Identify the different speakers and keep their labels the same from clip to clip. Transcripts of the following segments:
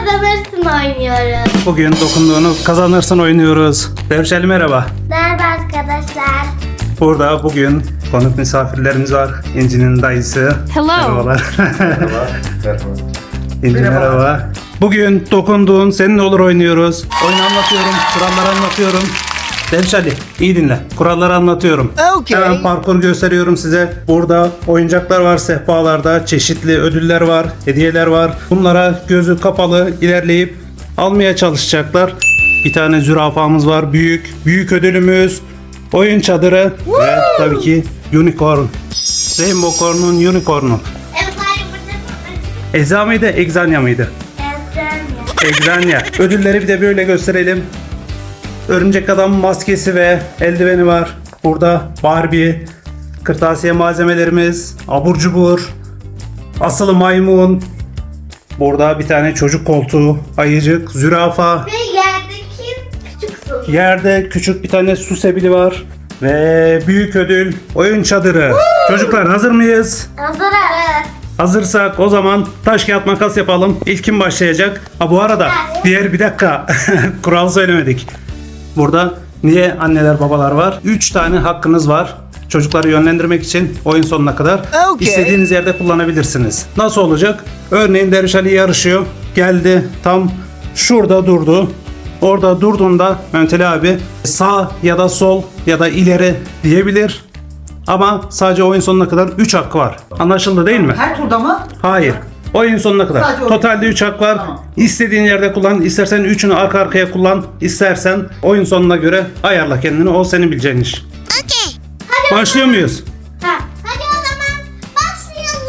Speaker 1: kazanırsın oynuyoruz.
Speaker 2: Bugün dokunduğunu kazanırsın oynuyoruz. Dervişeli merhaba.
Speaker 1: Merhaba arkadaşlar.
Speaker 2: Burada bugün konuk misafirlerimiz var. İnci'nin dayısı.
Speaker 3: Hello.
Speaker 2: Merhabalar.
Speaker 4: Merhaba.
Speaker 2: İnci merhaba. Bugün dokunduğun senin olur oynuyoruz. Oyunu anlatıyorum, kuralları anlatıyorum. Dervişeli iyi dinle. Kuralları anlatıyorum.
Speaker 3: Okay.
Speaker 2: Hemen parkur gösteriyorum size. Burada oyuncaklar var sehpalarda. Çeşitli ödüller var, hediyeler var. Bunlara gözü kapalı ilerleyip almaya çalışacaklar. Bir tane zürafamız var. Büyük ödülümüz. Oyun çadırı ve tabii ki unicorn. Rainbow Corn'un unicorn'u.
Speaker 1: Evet, hayır burada.
Speaker 2: Eza mıydı, Egzanya mıydı? Egzanya. Ödülleri bir de böyle gösterelim. Örümcek adam maskesi ve eldiveni var. Burada Barbie, kırtasiye malzemelerimiz, abur cubur, asılı maymun. Burada bir tane çocuk koltuğu, ayıcık, zürafa.
Speaker 1: Ve yerdeki küçük su.
Speaker 2: Yerde küçük bir tane su sebili var. Ve büyük ödül oyun çadırı. Çocuklar hazır mıyız?
Speaker 1: Hazırız.
Speaker 2: Hazırsak o zaman taş kağıt makas yapalım. İlk kim başlayacak? Bu arada bir dakika kural söylemedik. Burada niye anneler babalar var? 3 tane hakkınız var. Çocukları yönlendirmek için oyun sonuna kadar
Speaker 3: Okay.
Speaker 2: istediğiniz yerde kullanabilirsiniz. Nasıl olacak? Örneğin Derviş Ali yarışıyor. Geldi tam şurada durdu. Orada durduğunda Mehmet Ali abi sağ ya da sol ya da ileri diyebilir. Ama sadece oyun sonuna kadar 3 hakkı var. Anlaşıldı değil mi?
Speaker 4: Her turda mı?
Speaker 2: Hayır. Oyun sonuna kadar.
Speaker 4: Sadece oyun.
Speaker 2: Totalde 3 hak var.
Speaker 4: Tamam.
Speaker 2: İstediğin yerde kullan. İstersen 3'ünü arka arkaya kullan. İstersen oyun sonuna göre ayarla kendini. O senin bileceğin iş.
Speaker 1: Okey. Hadi.
Speaker 2: Başlıyor muyuz?
Speaker 1: Hadi o zaman başlayalım.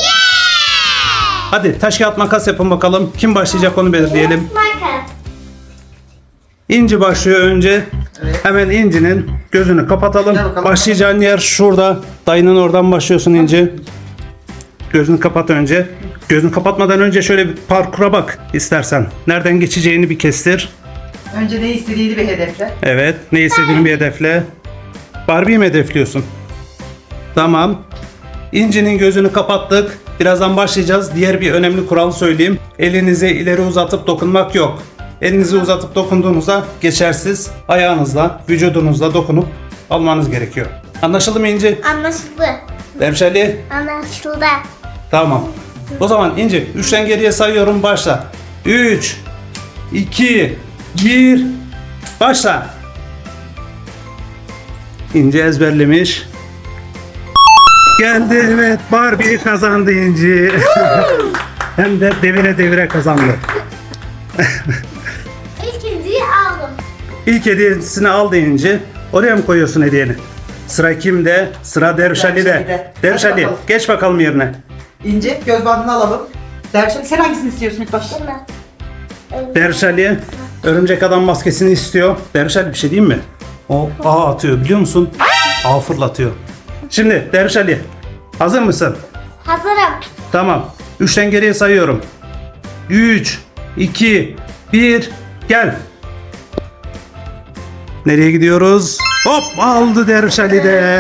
Speaker 1: Yeah!
Speaker 2: Hadi taş kağıt makas yapın bakalım. Kim başlayacak onu belirleyelim.
Speaker 1: Makas.
Speaker 2: İnci başlıyor önce. Hemen İnci'nin gözünü kapatalım.
Speaker 4: Gel bakalım.
Speaker 2: Başlayacağın yer şurada. Dayının oradan başlıyorsun İnci. Gözünü kapat önce. Gözünü kapatmadan önce şöyle bir parkura bak istersen. Nereden geçeceğini bir kestir.
Speaker 4: Önce ne istediğini bir hedefle.
Speaker 2: Evet. Ne istediğini bir hedefle. Barbie'yi mi hedefliyorsun? Tamam. İnci'nin gözünü kapattık. Birazdan başlayacağız. Diğer bir önemli kural söyleyeyim. Elinizi ileri uzatıp dokunmak yok. Elinizi uzatıp dokunduğunuzda geçersiz. Ayağınızla, vücudunuzla dokunup almanız gerekiyor. Anlaşıldı mı İnci?
Speaker 1: Anlaşıldı.
Speaker 2: Derviş Ali?
Speaker 1: Anlaşıldı.
Speaker 2: Tamam. O zaman İnci 3'ten geriye sayıyorum, başla. 3 2 1 başla. İnci ezberlemiş. Geldi, evet, Barbie kazandı İnci. Hem de devire devire kazandı.
Speaker 1: İkinciyi aldım.
Speaker 2: İlk hediyesini aldı İnci. Oraya mı koyuyorsun hediyeni? Sıra kimde? Sıra Derviş Ali'de.
Speaker 4: Ali'de.
Speaker 2: Derviş
Speaker 4: Hadi
Speaker 2: Ali
Speaker 4: bakalım.
Speaker 2: geç bakalım yerine.
Speaker 4: İnce göz bandını alalım. Dervişim sen hangisini istiyorsun ilk başta?
Speaker 1: Değil mi?
Speaker 2: Derviş Ali örümcek adam maskesini istiyor. Derviş Ali bir şey diyeyim mi? O ağ atıyor biliyor musun? Ağ fırlatıyor. Şimdi Derviş Ali hazır mısın?
Speaker 1: Hazırım.
Speaker 2: Tamam. 3'ten geriye sayıyorum. 3 2 1 gel. Nereye gidiyoruz? Hop, aldı Derviş Ali de.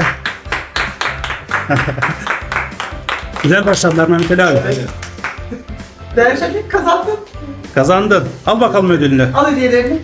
Speaker 2: Güzel başladılar Mehmet Ali abi.
Speaker 4: Dervişim kazandın.
Speaker 2: Kazandın. Al bakalım ödülünü.
Speaker 4: Al hediyelerini.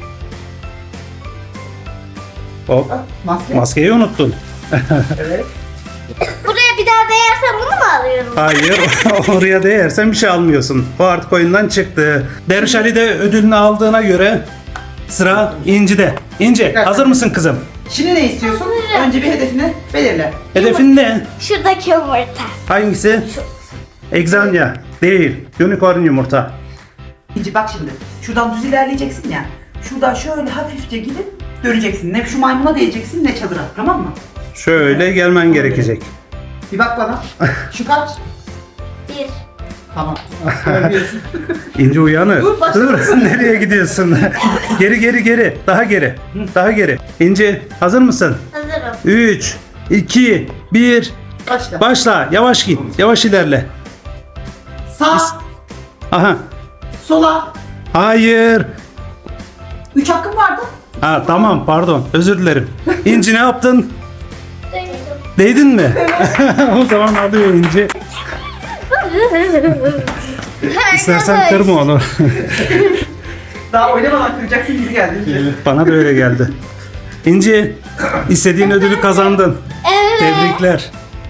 Speaker 2: Hop.
Speaker 4: Al, maske.
Speaker 2: Maskeyi unuttun.
Speaker 4: Evet.
Speaker 1: Buraya bir daha değersem bunu mu alıyorum?
Speaker 2: Hayır. Oraya değersen bir şey almıyorsun. O artık oyundan çıktı. Derviş Ali de ödülünü aldığına göre sıra İnci'de. İnci hazır mısın kızım?
Speaker 4: Şimdi ne istiyorsun?
Speaker 1: Hazırım.
Speaker 4: Önce bir hedefini belirle.
Speaker 2: Hedefin ne?
Speaker 1: Şuradaki yumurta.
Speaker 2: Hangisi? Egzanya. Değil. Unicorn yumurta.
Speaker 4: İnci bak şimdi. Şuradan düz ilerleyeceksin ya. Şuradan şöyle hafifçe gidip döneceksin. Ne şu maymuna değeceksin ne çadıra. Tamam mı?
Speaker 2: Şöyle gelmen gerekecek.
Speaker 4: Bir bak bana. Şu kaç?
Speaker 1: Bir.
Speaker 4: Tamam. Görüyorsun.
Speaker 2: İnci uyanır.
Speaker 4: Dur, başla.
Speaker 2: Nereye gidiyorsun? Geri. Daha geri. Daha geri. İnci hazır mısın?
Speaker 1: Hazırım.
Speaker 2: 3 2 1
Speaker 4: Başla.
Speaker 2: başla. Yavaş git. Yavaş ilerle.
Speaker 4: Sağ,
Speaker 2: Aha.
Speaker 4: sola.
Speaker 2: Hayır.
Speaker 4: 3 hakkım vardı.
Speaker 2: Ha tamam, pardon. Özür dilerim. İnci ne yaptın?
Speaker 1: Değdim.
Speaker 2: Değdin mi? O zaman alıyor İnci. İstersen kırma onu.
Speaker 4: Daha oynamadan kıracaksın gibi geldi.
Speaker 2: Bana da öyle geldi. İnci, istediğin ödülü kazandın.
Speaker 1: Evet.
Speaker 2: Tebrikler.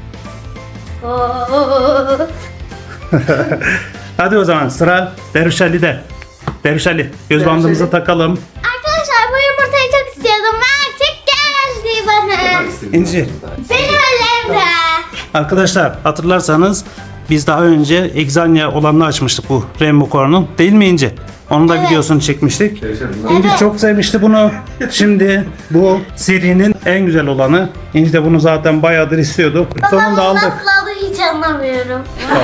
Speaker 1: Oo.
Speaker 2: Hadi o zaman sıra Derviş Ali'de. Derviş Ali, göz
Speaker 4: Derviş
Speaker 2: bandımızı
Speaker 4: Ali.
Speaker 2: takalım.
Speaker 1: Arkadaşlar bu yumurtayı çok istiyordum ve artık geldi bana.
Speaker 2: İnci,
Speaker 1: Benim elimde.
Speaker 2: arkadaşlar hatırlarsanız biz daha önce Exania olanını açmıştık bu Rainbow Corn'un. Değil mi İnci? Onun da
Speaker 1: Evet.
Speaker 2: videosunu çekmiştik. İnci çok sevmişti bunu. Şimdi bu serinin en güzel olanı. İnci de bunu zaten bayağıdır istiyordu. Sonunda
Speaker 1: Babam
Speaker 2: aldık.
Speaker 1: nasıl aldı hiç anlamıyorum.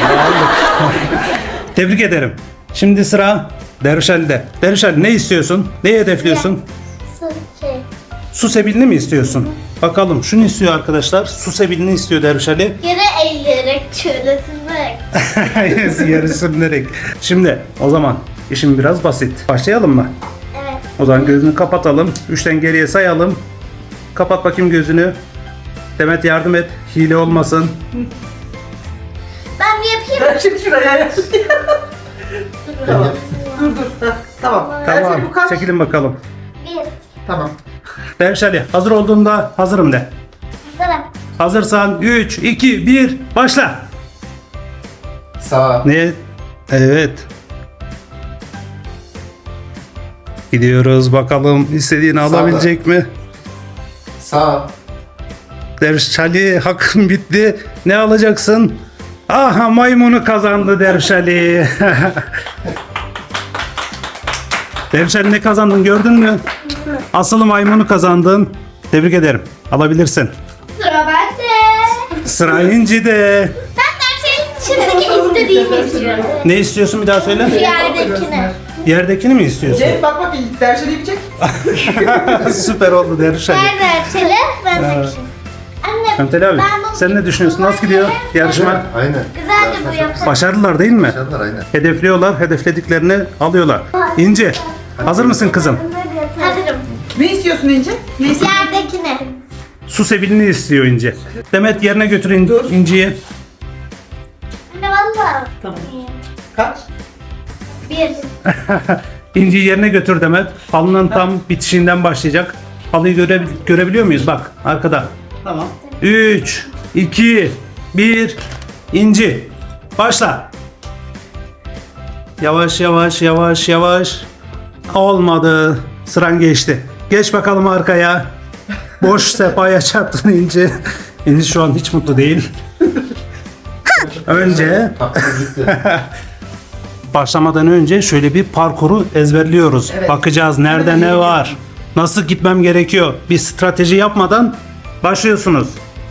Speaker 2: Tebrik ederim. Şimdi sıra Derviş Ali'de. Derviş Ali ne istiyorsun? Neyi hedefliyorsun?
Speaker 1: Şey.
Speaker 2: Su sebilini mi istiyorsun? Bakalım şunu istiyor arkadaşlar. Su sebilini istiyor Derviş Ali.
Speaker 1: Yere eğilerek şöyle sürerek.
Speaker 2: Yarı sürünerek. Şimdi o zaman işim biraz basit. Başlayalım mı?
Speaker 1: Evet.
Speaker 2: O zaman gözünü kapatalım. 3'ten geriye sayalım. Kapat bakayım gözünü. Demet yardım et. Hile olmasın.
Speaker 1: Ben bir yapayım.
Speaker 4: Ben şimdi şuraya ya. Tamam. Dur. Heh, tamam.
Speaker 2: Tamam.
Speaker 4: Ertuğrul, bu kaç?
Speaker 2: Çekilin bakalım.
Speaker 1: Bir.
Speaker 4: Tamam.
Speaker 2: Derviş Ali hazır olduğunda hazırım de.
Speaker 1: Hazırım.
Speaker 2: Hazırsan 3, 2, 1 başla.
Speaker 3: Sağ.
Speaker 2: Ne? Evet. Gidiyoruz bakalım istediğini
Speaker 3: Sağda.
Speaker 2: alabilecek mi?
Speaker 3: Sağ.
Speaker 2: Derviş Ali hakkın bitti. Ne alacaksın? Aha maymunu kazandı Derviş Ali. Derviş Ali ne kazandın gördün mü? Asıl maymunu kazandın. Tebrik ederim. Alabilirsin.
Speaker 1: Sıra bende.
Speaker 2: Sıra İnci'de.
Speaker 1: Ben dersin içindeki istediğimi istiyorum.
Speaker 2: Ne istiyorsun bir daha söyle.
Speaker 1: Şu yerdekini.
Speaker 2: Yerdekini mi istiyorsun?
Speaker 4: Cem bak dersleri bir çek.
Speaker 2: Süper oldu Derviş Ali.
Speaker 1: Ver dersini. Ben takayım. Anne.
Speaker 2: Mehmet abi
Speaker 1: ben bu-
Speaker 2: sen ne düşünüyorsun? Nasıl gidiyor yarışma?
Speaker 3: Aynen.
Speaker 1: Güzeldi bu yapı.
Speaker 2: Başardılar değil mi?
Speaker 3: Başardılar aynen.
Speaker 2: Hedefliyorlar, hedeflediklerini alıyorlar. İnci, hazır mısın kızım?
Speaker 1: Hazırım.
Speaker 4: Ne istiyorsun İnci? Ne istiyorsun?
Speaker 1: Yerdekini.
Speaker 2: Su sebilini istiyor İnci. Demet yerine götür
Speaker 4: Dur.
Speaker 2: İnci'yi.
Speaker 1: Anne valla.
Speaker 4: Tamam. Kaç?
Speaker 1: Bir.
Speaker 2: İnci'yi yerine götür Demet. Halının tam bitişiğinden başlayacak. Halıyı görebiliyor muyuz? Bak arkada.
Speaker 4: Tamam.
Speaker 2: 3, 2, 1, İnci. Başla. Yavaş yavaş yavaş yavaş. Olmadı. Sıran geçti. Geç bakalım arkaya. Boş sefaya çarptın İnci. İnci şu an hiç mutlu değil. Önce
Speaker 3: Hakkımız gitti.
Speaker 2: başlamadan önce şöyle bir parkuru ezberliyoruz.
Speaker 4: Evet.
Speaker 2: Bakacağız nerede ne var. Nasıl gitmem gerekiyor. Bir strateji yapmadan başlıyorsunuz.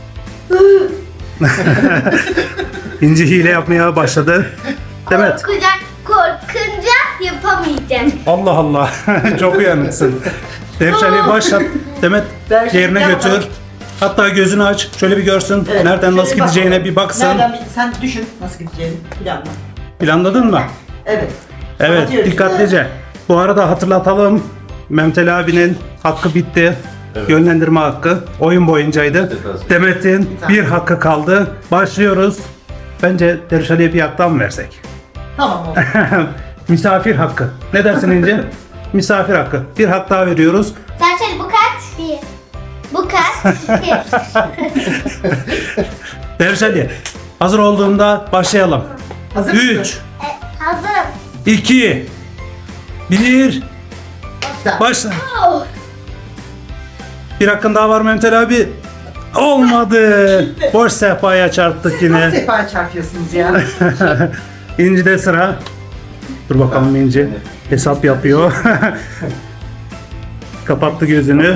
Speaker 2: İnci hile yapmaya başladı. Demet.
Speaker 1: Korkunca yapamayacak.
Speaker 2: Allah Allah. Çok uyanıksın. Derviş Ali başlat. Demet
Speaker 4: Derviş Ali,
Speaker 2: yerine
Speaker 4: gel
Speaker 2: götür.
Speaker 4: bakalım.
Speaker 2: Hatta gözünü aç. Şöyle bir görsün.
Speaker 4: Evet,
Speaker 2: Nereden
Speaker 4: şöyle
Speaker 2: nasıl
Speaker 4: bak
Speaker 2: gideceğine
Speaker 4: bakalım.
Speaker 2: bir baksın.
Speaker 4: Nereden sen düşün nasıl gideceğini planla.
Speaker 2: Planladın mı?
Speaker 4: Evet.
Speaker 2: Evet,
Speaker 4: Kapatıyorum.
Speaker 2: dikkatlice. Bu arada hatırlatalım. Mehmet Ali abinin hakkı bitti.
Speaker 3: Evet.
Speaker 2: Yönlendirme hakkı. Oyun boyuncaydı.
Speaker 3: Evet.
Speaker 2: Demet'in bir hakkı kaldı. Başlıyoruz. Bence Derviş Ali'ye bir haktan mı versek?
Speaker 4: Tamam oldu.
Speaker 2: Misafir hakkı. Ne dersin İnce? Misafir hakkı. Bir hak daha veriyoruz.
Speaker 1: Dersen bu kaç? Bir. Bu kaç? Bir.
Speaker 2: Derviş Ali, hazır olduğunda başlayalım.
Speaker 4: Hazır mısın?
Speaker 2: 3,
Speaker 1: Hazırım.
Speaker 2: 2, 1, başla.
Speaker 1: Oh.
Speaker 2: Bir hakkın daha var Mehmet Ali abi. Olmadı. Boş sehpaya çarptık
Speaker 4: Nasıl
Speaker 2: yine.
Speaker 4: sefaya çarpıyorsunuz ya?
Speaker 2: İnci'de sıra. Dur bakalım İnci. Hesap yapıyor. Kapattı gözünü.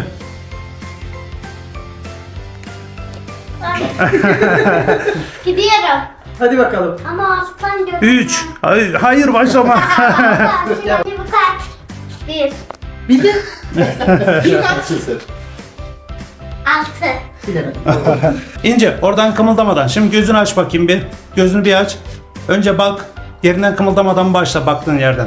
Speaker 1: Gidiyorum.
Speaker 4: Hadi bakalım.
Speaker 1: Ama alttan görüyorum.
Speaker 2: 3. Hayır başlama.
Speaker 1: Şimdi bu kaç? Bir.
Speaker 4: Bildin?
Speaker 1: Altı.
Speaker 4: Bilemedim.
Speaker 2: İnce oradan kımıldamadan. Şimdi gözünü aç bakayım bir. Gözünü bir aç. Önce bak. Yerinden kımıldamadan başla baktığın yerden.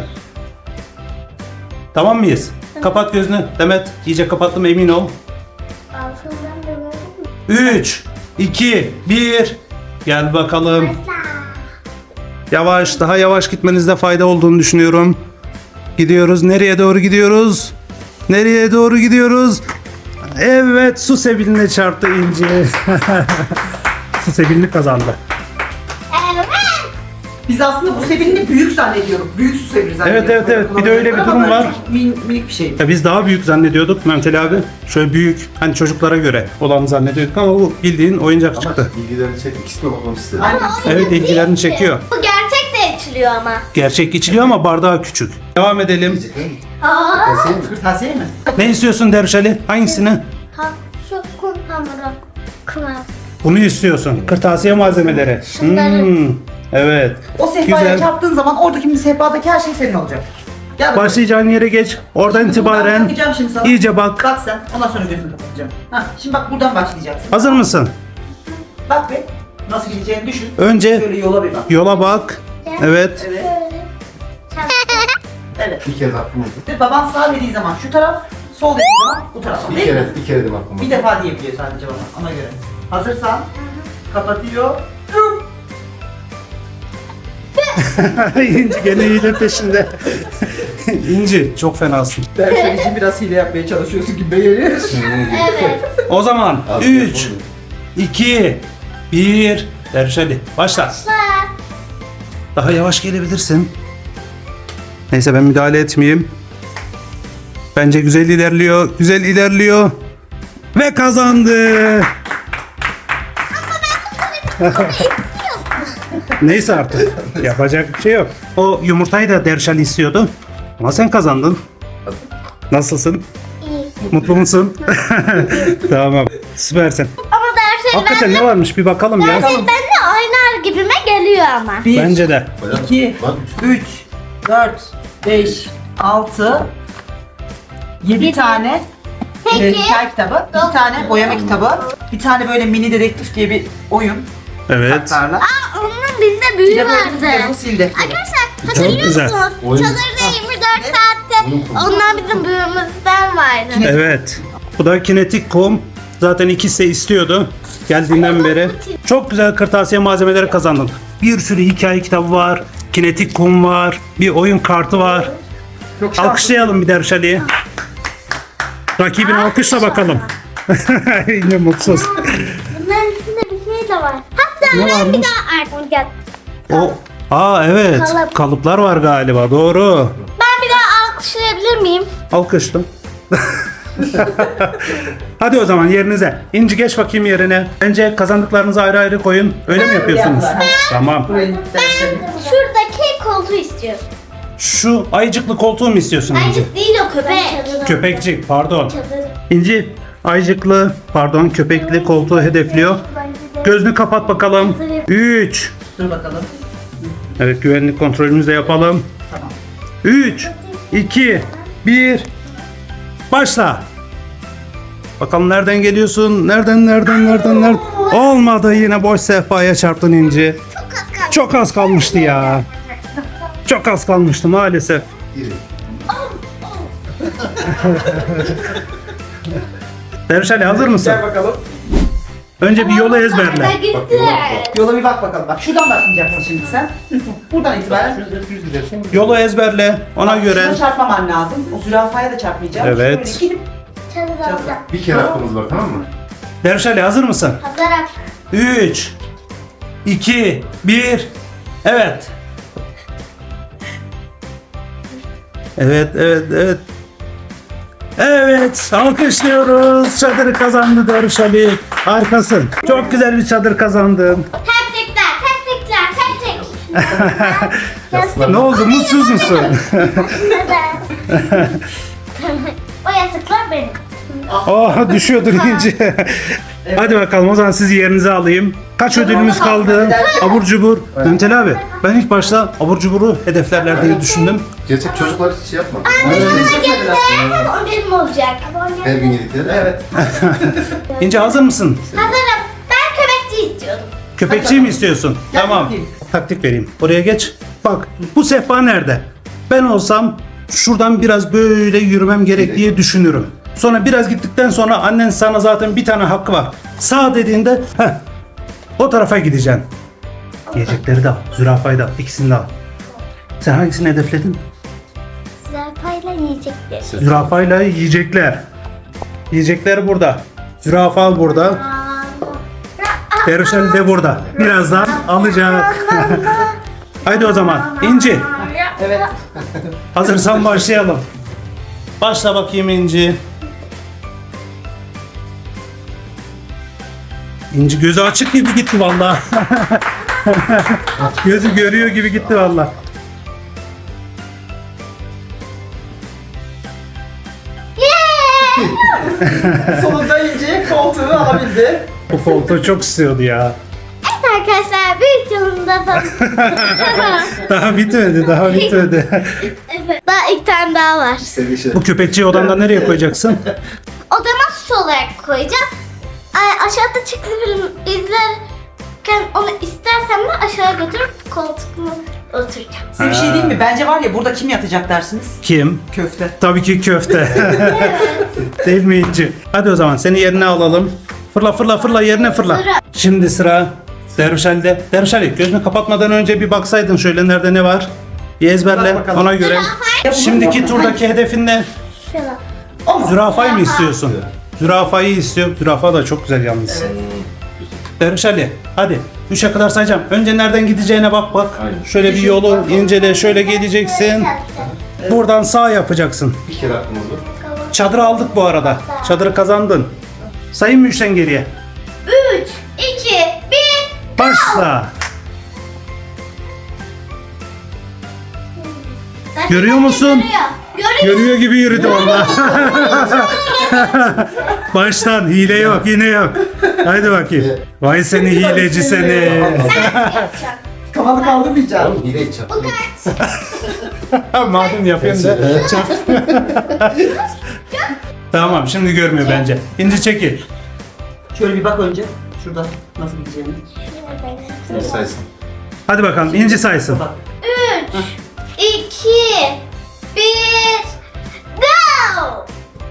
Speaker 2: Tamam mıyız? Kapat gözünü. Demet iyice kapattım emin ol.
Speaker 1: Altından görüyorum.
Speaker 2: 3, 2, 1. Gel bakalım.
Speaker 1: Başla.
Speaker 2: Yavaş, daha yavaş gitmenizde fayda olduğunu düşünüyorum. Gidiyoruz. Nereye doğru gidiyoruz? Nereye doğru gidiyoruz? Evet, su sebiline çarptı İnci. Su sebilini kazandı.
Speaker 1: Evet.
Speaker 4: Biz aslında bu sebilini büyük zannediyoruz. Büyük su sebili zannediyoruz.
Speaker 2: Evet, evet, evet. Bir de öyle bir
Speaker 4: Ama
Speaker 2: durum
Speaker 4: böyle
Speaker 2: var.
Speaker 4: Minik bir şey.
Speaker 2: Ya biz daha büyük zannediyorduk Mehmet Ali abi. Şöyle büyük, hani çocuklara göre olanı zannediyorduk ama bu bildiğin oyuncak
Speaker 3: Ama
Speaker 2: çıktı.
Speaker 3: bilgilerini çekmek ikisine bakmak istedim.
Speaker 4: Aynen.
Speaker 2: Evet, ilgilerini çekiyor.
Speaker 1: Bu gerçek de içiliyor ama.
Speaker 2: Gerçek içiliyor ama bardağı küçük. Devam edelim.
Speaker 1: Aa.
Speaker 3: Kesin mi?
Speaker 4: Kırtasiye mi?
Speaker 2: Ne istiyorsun Derviş Ali? Hangisini?
Speaker 1: Ha, şu kum hamuru. Kıvam.
Speaker 2: Bunu istiyorsun. Kırtasiye malzemeleri.
Speaker 1: Şunları.
Speaker 2: Evet.
Speaker 4: O sehpaya
Speaker 2: Güzel.
Speaker 4: çarptığın zaman oradaki sehpadaki her şey senin olacak. Gel bakalım.
Speaker 2: Başlayacağın yere geç. Oradan
Speaker 4: Ben
Speaker 2: itibaren
Speaker 4: bakacağım şimdi sana.
Speaker 2: iyice bak.
Speaker 4: Bak sen. Ondan sonra gözünü kapatacağım. Hah, şimdi bak buradan başlayacaksın.
Speaker 2: Hazır mısın?
Speaker 4: Bak be. Nasıl gideceğini düşün.
Speaker 2: Önce
Speaker 4: Şöyle yola bir bak.
Speaker 2: yola bak. Evet.
Speaker 4: Evet. Evet.
Speaker 3: Bir kere de aklım oldu.
Speaker 4: Ve baban sağ dediği zaman şu taraf, sol dediği zaman bu taraf.
Speaker 3: Bir
Speaker 4: Değil mi?
Speaker 3: kere de aklım oldu.
Speaker 4: Bir defa diyebiliyor sadece bana. Ona göre. Hazırsan kapatıyor.
Speaker 2: İnci gene hile peşinde. İnci çok fenasın.
Speaker 4: Dersen için biraz hile yapmaya çalışıyorsun gibi geliyor.
Speaker 1: Evet.
Speaker 2: O zaman
Speaker 3: Abi,
Speaker 2: 3,
Speaker 3: yapalım.
Speaker 2: 2, 1. Derviş Ali başla. Daha yavaş gelebilirsin. Neyse ben müdahale etmeyeyim. Bence güzel ilerliyor. Güzel ilerliyor. Ve kazandı. Neyse artık. Yapacak bir şey yok. O yumurtayı da Derviş Ali istiyordu. Ama sen kazandın. Nasılsın?
Speaker 1: İyi.
Speaker 2: Mutlu musun? Tamam. Süpersin.
Speaker 1: Ama dersen
Speaker 2: Hakikaten ne varmış bir bakalım ya.
Speaker 1: ben de oynar gibime geliyor ama.
Speaker 4: 1,
Speaker 2: Bence de.
Speaker 4: 2,
Speaker 3: Bak.
Speaker 4: 3, 4, 5, 6, 7
Speaker 1: Yedi.
Speaker 4: tane
Speaker 1: Peki.
Speaker 4: hikaye kitabı, 2 tane boyama kitabı, bir tane böyle mini dedektif diye bir oyun
Speaker 2: Evet.
Speaker 4: kartlarla.
Speaker 1: Aa, onun bizde
Speaker 4: Bir
Speaker 1: büyüğü
Speaker 4: de böyle
Speaker 1: vardı.
Speaker 4: yazılı sil defteri.
Speaker 1: Arkadaşlar hatırlıyor
Speaker 2: güzel.
Speaker 1: musunuz?
Speaker 3: Oyun-
Speaker 1: Çadırda 24 saatte ondan bizim büyüğümüzden vardı.
Speaker 2: Evet. Bu da kinetik kum. Zaten ikisi de istiyordu. Geldiğinden beri. Çok güzel kırtasiye malzemeleri kazandın. Bir sürü hikaye kitabı var. Kinetik kum var. Bir oyun kartı var.
Speaker 4: Çok şanslı.
Speaker 2: Alkışlayalım bir Derviş Ali'yi. Rakibini alkışla bakalım. Yine mutsuz.
Speaker 1: Bunların içinde bir şey de var. Hatta
Speaker 2: Ne
Speaker 1: ben bir
Speaker 2: varmış?
Speaker 1: daha artık gel.
Speaker 2: O, evet.
Speaker 1: Kalıp.
Speaker 2: Kalıplar var galiba. Doğru.
Speaker 1: Ben bir daha alkışlayabilir miyim?
Speaker 2: Alkışla. Hadi o zaman yerinize. İnci geç bakayım yerine. Bence kazandıklarınızı ayrı ayrı koyun. Öyle mi yapıyorsunuz?
Speaker 4: Yaptılar.
Speaker 2: Tamam.
Speaker 4: Burayı dersleri.
Speaker 1: Şuradaki koltuğu istiyorum.
Speaker 2: Şu ayıcıklı koltuğu mu istiyorsun İnci?
Speaker 1: Ayıcık değil o köpek.
Speaker 2: Köpekçik pardon.
Speaker 1: Çadır.
Speaker 2: İnci ayıcıklı pardon köpekli koltuğu hedefliyor. Gözünü kapat bakalım. 3.
Speaker 4: Dur bakalım.
Speaker 2: Evet güvenlik kontrolümüzü de yapalım.
Speaker 4: Tamam.
Speaker 2: 3, 2, 1. Başla. Bakalım nereden geliyorsun? Nereden? Olmadı yine boş sehpaya çarptın İnci.
Speaker 1: Çok az kaldı.
Speaker 2: Çok az kalmıştı ya. Çok az kalmıştı maalesef.
Speaker 3: İri.
Speaker 2: Derviş Ali hazır mısın?
Speaker 4: Gel bakalım.
Speaker 2: Önce bir yolu ezberle.
Speaker 1: Ben gitti.
Speaker 4: Yola bir bak bakalım. Bak şuradan başlayacaksın şimdi sen. Buradan itibaren.
Speaker 3: Şöyle düz gidersen
Speaker 2: Yolu ezberle ona
Speaker 4: Bak,
Speaker 2: göre.
Speaker 4: şuna çarpmaman lazım. O zürafaya da çarpmayacağım.
Speaker 2: Evet.
Speaker 4: Şöyle gidip
Speaker 1: Çadır alacağım.
Speaker 3: bir kere hakkımız var, tamam mı?
Speaker 2: Derviş Ali hazır mısın?
Speaker 1: Hazırım.
Speaker 2: 3, 2, 1. Evet. Evet. Evet, alkışlıyoruz. Çadırı kazandı Derviş Ali. Harikasın. Çok güzel bir çadır kazandın.
Speaker 1: Tebrikler.
Speaker 2: Ne oldu? Mutsuz musun?
Speaker 1: Neden? O yastıklar benim.
Speaker 2: Oh, düşüyordur İnci. Hadi bakalım o zaman sizi yerinize alayım. Kaç ödülümüz kaldı? Abur cubur. Mehmet Ali abi, ben ilk başta abur cuburu hedeflerler diye düşündüm.
Speaker 3: Gerçek çocuklar hiç şey yapmadı.
Speaker 1: Bana gelirse o benim olacak.
Speaker 3: Her gün yedikleri.
Speaker 4: evet.
Speaker 2: İnci hazır mısın?
Speaker 1: Hazırım. Ben köpekçi istiyordum.
Speaker 2: Köpekçiyi mi istiyorsun?
Speaker 4: Gel
Speaker 2: Tamam.
Speaker 4: bakayım.
Speaker 2: Taktik vereyim. Oraya geç. Bak bu sehpa nerede? Ben olsam şuradan biraz böyle yürümem gerek diye düşünürüm. Sonra biraz gittikten sonra annen sana zaten bir tane hakkı var. Sağ dediğinde o tarafa gideceksin. Yiyecekleri de al. Zürafayı da al. İkisini de al. Sen hangisini hedefledin?
Speaker 1: Zürafayla yiyecekler.
Speaker 2: Zürafayla yiyecekler. Yiyecekler burada. Zürafa burada. Dervişel de burada. Birazdan alacak. Haydi o zaman. İnci.
Speaker 4: Evet.
Speaker 2: Hazırsan başlayalım. Başla bakayım İnci. İnci gözü açık gibi gitti vallahi. Gözü görüyor gibi gitti vallahi.
Speaker 4: Sonunda İnci koltuğu alabildi.
Speaker 2: Bu koltuğu çok istiyordu ya.
Speaker 1: Evet arkadaşlar büyük yolunda da.
Speaker 2: Daha bitmedi, daha bitmedi.
Speaker 1: Evet. Daha iki tane daha var.
Speaker 3: Sevgili şey.
Speaker 2: Bu köpekçiyi odanda nereye koyacaksın?
Speaker 1: Odama süs olarak koyacağım. Aşağıda çıktı film izlerken onu istersem de aşağı götürüp koltuğuma oturacağım.
Speaker 4: Size bir şey diyeyim mi? Bence var ya burada kim yatacak dersiniz?
Speaker 2: Kim?
Speaker 4: Köfte.
Speaker 2: Tabii ki köfte. Değil mi İnci? Hadi o zaman seni yerine alalım. Fırla fırla fırla yerine fırla. Şimdi sıra Dervişali'de. Dervişali gözünü kapatmadan önce bir baksaydın şöyle nerede ne var? Bir ezberle
Speaker 4: Bak bakalım.
Speaker 2: ona göre. Şimdiki turdaki hedefin ne?
Speaker 1: Şöyle.
Speaker 4: O mu?
Speaker 2: Zürafayı mı istiyorsun? Zürafayı istiyor. Zürafa da çok güzel yalnız.
Speaker 4: Evet.
Speaker 2: Dervişali hadi 3'e kadar sayacağım. Önce nereden gideceğine bak bak.
Speaker 3: Aynen.
Speaker 2: Şöyle bir yolu incele şöyle geleceksin. Buradan sağ yapacaksın.
Speaker 3: Bir kere aklım oldu.
Speaker 2: Çadırı aldık bu arada. Çadırı kazandın. Sayayım mı 3'ten geriye?
Speaker 1: 3, 2, 1.
Speaker 2: Başla. Görüyor musun?
Speaker 1: Görüyor.
Speaker 2: Görüyor gibi yürüdü valla. Baştan hile yok yine yok. Haydi bakayım. Vay seni hileci seni.
Speaker 4: Kafanı kaldırmayacağım.
Speaker 3: Oğlum hile içeceğim.
Speaker 1: Bu kaç?
Speaker 2: Madem yapayım da. Tamam şimdi görmüyor bence. İnci çekil.
Speaker 4: Şöyle bir bak önce. Şurada nasıl gideceğini.
Speaker 3: Bir saysın.
Speaker 2: Hadi bakalım İnci saysın.
Speaker 4: Bak.
Speaker 1: 3, 2, 1, go!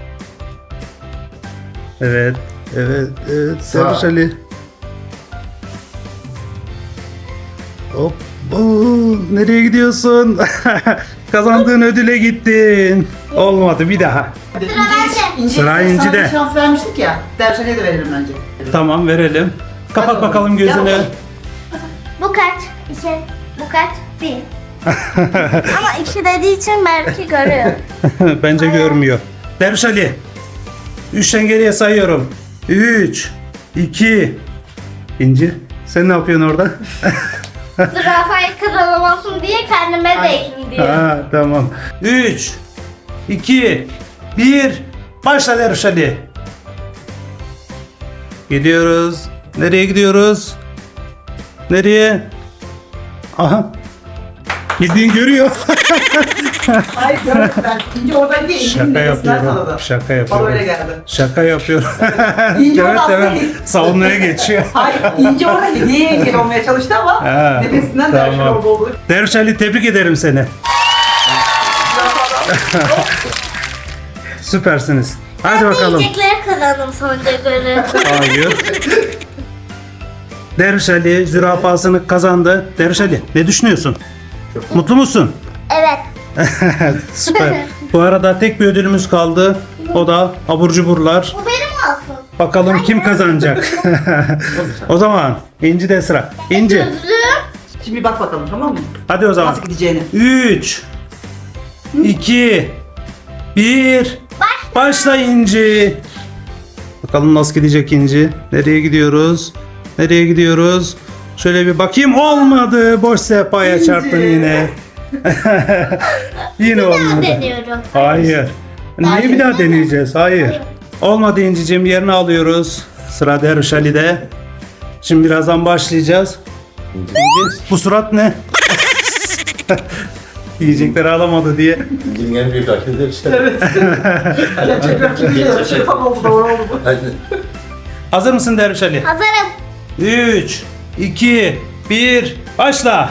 Speaker 2: Evet. Evet. Evet.
Speaker 3: Sağ.
Speaker 2: Derviş Ali. Hop. Oo, nereye gidiyorsun? Kazandığın ödüle gittin. Olmadı bir daha. Sıra İnci'de.
Speaker 4: Sana bir şans vermiştik ya. Dershali'ye de verelim bence.
Speaker 2: Tamam verelim. Kapat
Speaker 4: Hadi
Speaker 2: bakalım
Speaker 4: Gel
Speaker 2: gözünü.
Speaker 4: bakalım.
Speaker 1: Bu kaç? 2, bu kaç? 1. Ama 2 dediği için belki görüyor.
Speaker 2: Bence görmüyor. Derviş Ali. 3'ten geriye sayıyorum. 3, 2, İnci. Sen ne yapıyorsun orada?
Speaker 1: Zürafayı kazanamasın diye kendime değdim diyor.
Speaker 2: Ha, tamam. 3, 2, 1. Başla Derviş Ali. Gidiyoruz. Nereye gidiyoruz? Nereye? Aha. Bildiğin görüyor.
Speaker 4: Hayır görmedim ben. İnci oradan değil.
Speaker 2: Şaka yapıyorum. Şaka yapıyorum.
Speaker 4: Bana öyle geldi.
Speaker 2: Şaka yapıyorum.
Speaker 4: İnci
Speaker 2: evet
Speaker 4: orada
Speaker 2: evet.
Speaker 4: aslında-
Speaker 2: Savunmaya geçiyor.
Speaker 4: Hayır İnci orada hediye engel olmaya çalıştı ama
Speaker 2: Ha,
Speaker 4: nefesinden Dershali
Speaker 2: tamam.
Speaker 4: orada oldu.
Speaker 2: Derviş Ali tebrik ederim seni. Süpersiniz. Hadi bakalım.
Speaker 1: Yiyecekleri kazandım sonuca göre.
Speaker 2: Hayır. Derviş Ali zürafasını kazandı. Derviş Ali ne düşünüyorsun? Mutlu musun?
Speaker 1: Evet.
Speaker 2: Süper. Bu arada tek bir ödülümüz kaldı. O da abur cuburlar.
Speaker 1: Bu benim olsun.
Speaker 2: Bakalım kim kazanacak? O zaman İnci de sıra. İnci.
Speaker 1: Gözlüğüm.
Speaker 4: Şimdi bir bak bakalım tamam mı?
Speaker 2: Hadi o zaman.
Speaker 4: Nasıl gideceğini.
Speaker 2: 3 2 1 Başla İnci. Bakalım nasıl gidecek İnci? Nereye gidiyoruz? Nereye gidiyoruz? Şöyle bir bakayım. Olmadı. Boş sehpaya çarptın yine. Yine
Speaker 1: Ben
Speaker 2: olmadı.
Speaker 1: deniyorum.
Speaker 2: Hayır. Niye bir daha deneyeceğiz? Hayır. Olmadı İnci'cim, yerini alıyoruz. Sıra Derviş Ali'de. Şimdi birazdan başlayacağız. İnci, bu surat ne? Yiyecekleri alamadı diye.
Speaker 3: İnci'nin en büyük rakibi işte.
Speaker 4: Evet. Gerçek rakip değil. Şey tam oldu doğru oldu bu.
Speaker 3: Hadi.
Speaker 2: Hazır mısın Derviş Ali?
Speaker 1: Hazırım.
Speaker 2: 3 2 1 Başla.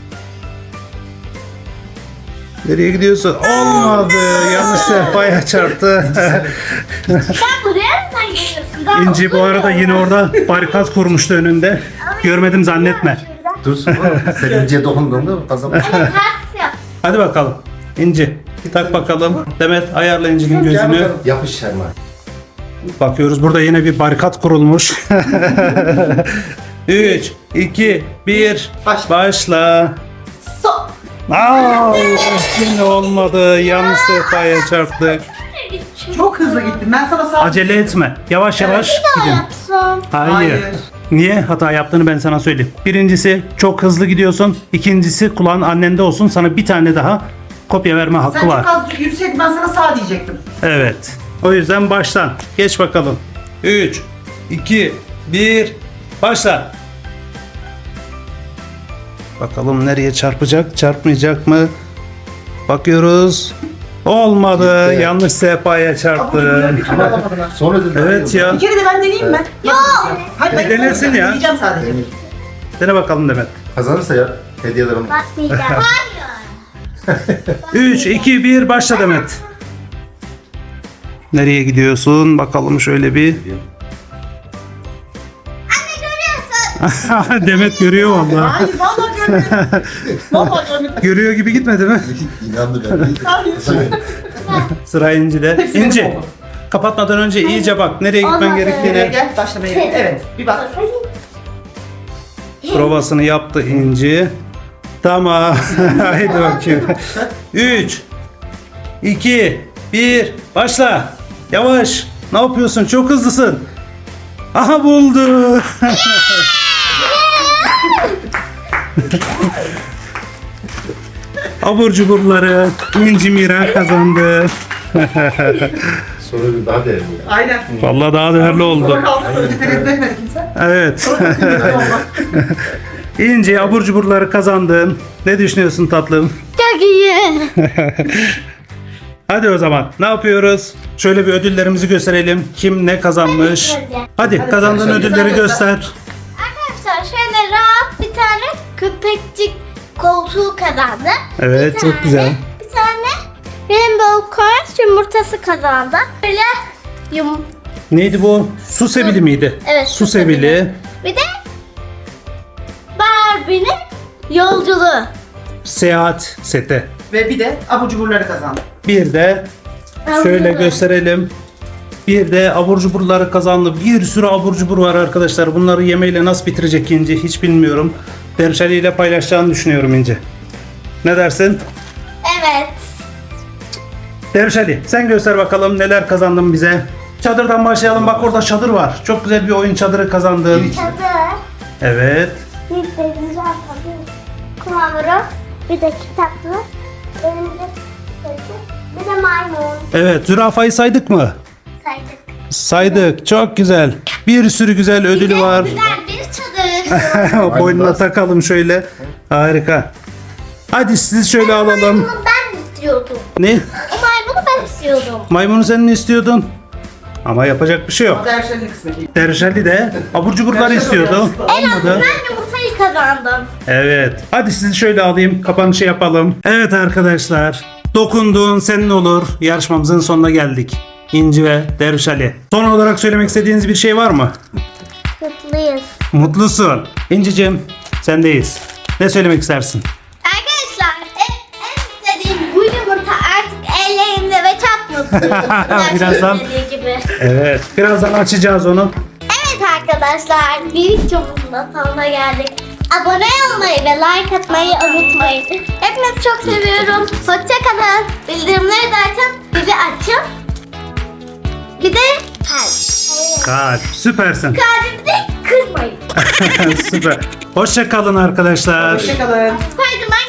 Speaker 2: Nereye gidiyorsun? Olmadı. Yanlış sehpaya çarptı.
Speaker 1: Sen buraya mı geliyorsun? Daha
Speaker 2: İnci bu arada yine orada barikat kurmuştu önünde. Görmedim zannetme.
Speaker 1: Şuradan.
Speaker 3: Dursun oğlum. Sen İnci'ye dokunduğunda kazanmış.
Speaker 1: Evet ters yap.
Speaker 2: Hadi bakalım. İnci. Tak bakalım. Demet ayarla İnci'nin
Speaker 3: Gel
Speaker 2: gözünü.
Speaker 3: bakalım. Yapış Şerman.
Speaker 2: Bakıyoruz burada yine bir barikat kurulmuş. 3, 2, 1.
Speaker 4: Başla.
Speaker 2: Başla.
Speaker 1: So.
Speaker 2: Aa, yine olmadı. Yanlış sehpaya çarptık.
Speaker 4: Çok hızlı gittin. Ben sana sağ...
Speaker 2: Acele etme. Yavaş yavaş gidin.
Speaker 1: Yapsam.
Speaker 2: Hayır.
Speaker 4: Hayır.
Speaker 2: Niye hata yaptığını ben sana söyleyeyim. Birincisi çok hızlı gidiyorsun. İkincisi kulağın annende olsun. Sana bir tane daha kopya verme hakkı
Speaker 4: Sen
Speaker 2: var.
Speaker 4: çok az yürüseydin ben sana sağ diyecektim.
Speaker 2: Evet. O yüzden baştan. Geç bakalım. 3, 2, 1. Başla. Bakalım nereye çarpacak, çarpmayacak mı? Bakıyoruz. Olmadı.
Speaker 3: Gitti.
Speaker 2: Yanlış sehpaya çarptı.
Speaker 3: Sonra dedi.
Speaker 2: Evet ya.
Speaker 4: Bir kere de ben deneyeyim mi? Yok. Hayır, ben
Speaker 2: denesin ya.
Speaker 4: deneyeceğim sadece.
Speaker 2: Dene bakalım Demet.
Speaker 3: Kazanırsa ya hediyelerim.
Speaker 1: Bakmayacağım. Hayır.
Speaker 2: 3, 2, 1. Başla Demet. Nereye gidiyorsun? Bakalım şöyle bir. Demet görüyor vallahi.
Speaker 4: Hayır vallahi görmedim. Vallahi görmedim.
Speaker 2: Görüyor gibi gitmedi mi?
Speaker 3: İnandı ben.
Speaker 4: Hayır.
Speaker 2: Sıra İnci'de.
Speaker 4: Hepsini
Speaker 2: İnci.
Speaker 4: oldu.
Speaker 2: Kapatmadan önce iyice bak. Nereye gitmen
Speaker 1: Olmadı.
Speaker 2: gerektiğine.
Speaker 4: Gel başlamaya. Evet bir bak.
Speaker 2: Provasını yaptı İnci. Tamam. Haydi bakayım. 3, 2, 1. Başla. Yavaş. Ne yapıyorsun? Çok hızlısın. Aha buldu. Abur cuburları İnci Mira kazandı.
Speaker 3: Sonra bir daha değerli.
Speaker 4: Aynen.
Speaker 2: Vallahi daha değerli
Speaker 4: Sonra
Speaker 2: oldu.
Speaker 4: kaldı. Önce tereddüt etmedi kimse.
Speaker 2: Evet.
Speaker 4: Sonra çok kıymetli oldu.
Speaker 2: İnci abur cuburları kazandın. Ne düşünüyorsun tatlım?
Speaker 1: Çok iyi.
Speaker 2: Hadi o zaman ne yapıyoruz? Şöyle bir ödüllerimizi gösterelim. Kim ne kazanmış? Hadi kazandığın
Speaker 4: Hadi,
Speaker 2: ödülleri göster.
Speaker 1: Arkadaşlar şöyle rahat bir tane köpekçik koltuğu kazandı.
Speaker 2: Evet,
Speaker 1: Bir
Speaker 2: çok
Speaker 1: tane,
Speaker 2: güzel.
Speaker 1: Bir tane Rainbow Coins yumurtası kazandı. Böyle
Speaker 2: Neydi bu? Su sebili miydi?
Speaker 1: Evet,
Speaker 2: Su
Speaker 1: su
Speaker 2: sebili.
Speaker 1: sebili. Bir de Barbie'nin yolculuğu.
Speaker 2: Seyahat seti.
Speaker 4: Ve bir de abur cuburları kazandı.
Speaker 2: Bir de şöyle gösterelim. Bir de abur cuburları kazandı. Bir sürü abur cubur var arkadaşlar. Bunları yemeyle nasıl bitirecek İnci hiç bilmiyorum. Derşali ile paylaşacağını düşünüyorum İnci. Ne dersin?
Speaker 1: Evet.
Speaker 2: Derşali sen göster bakalım neler kazandın bize. Çadırdan başlayalım. Bak orada çadır var. Çok güzel bir oyun çadırı kazandın.
Speaker 1: Çadır.
Speaker 2: Evet.
Speaker 1: Bir de güzel tabii. Kumavru. Bir de kitaplı. Elimde bir de maymun.
Speaker 2: Evet. Zürafayı saydık mı?
Speaker 1: Saydık.
Speaker 2: Saydık. Çok güzel. Bir sürü güzel ödülü var.
Speaker 1: Güzel bir çadır.
Speaker 2: Boynuna takalım şöyle. Harika. Hadi sizi şöyle alalım.
Speaker 1: Maymunu ben istiyordum.
Speaker 2: Ne?
Speaker 1: O maymunu ben istiyordum.
Speaker 2: Maymunu sen mi istiyordun? Ama yapacak bir şey yok.
Speaker 4: Hatta her şeyin kısmeti.
Speaker 2: Derşali de abur cuburları istiyordu. Olmadı.
Speaker 1: Ben yumurtayı kazandım.
Speaker 2: Evet. Hadi sizi şöyle alayım. Kapanışı yapalım. Evet arkadaşlar. Dokunduğun senin olur. Yarışmamızın sonuna geldik. İnci ve Derviş Ali. Son olarak söylemek istediğiniz bir şey var mı?
Speaker 1: Mutluyuz.
Speaker 2: Mutlusun. İnci'cim sendeyiz. Ne söylemek istersin?
Speaker 1: Arkadaşlar en istediğim bu yumurta artık ellerimde ve çok mutluyum.
Speaker 2: Birazdan.
Speaker 1: Dediği gibi.
Speaker 2: Evet. Birazdan açacağız onu.
Speaker 1: Evet arkadaşlar bir videomuzun da sonuna geldik. Abone olmayı ve like atmayı unutmayın. Hepinizi çok seviyorum. Hoşçakalın. Bildirimleri de açın. Bizi açın. Bir de
Speaker 2: Kalp. Süpersin.
Speaker 1: kalbimizi kırmayın.
Speaker 2: Süper. Hoşça kalın arkadaşlar.
Speaker 4: Hoşçakalın.
Speaker 1: Spiderman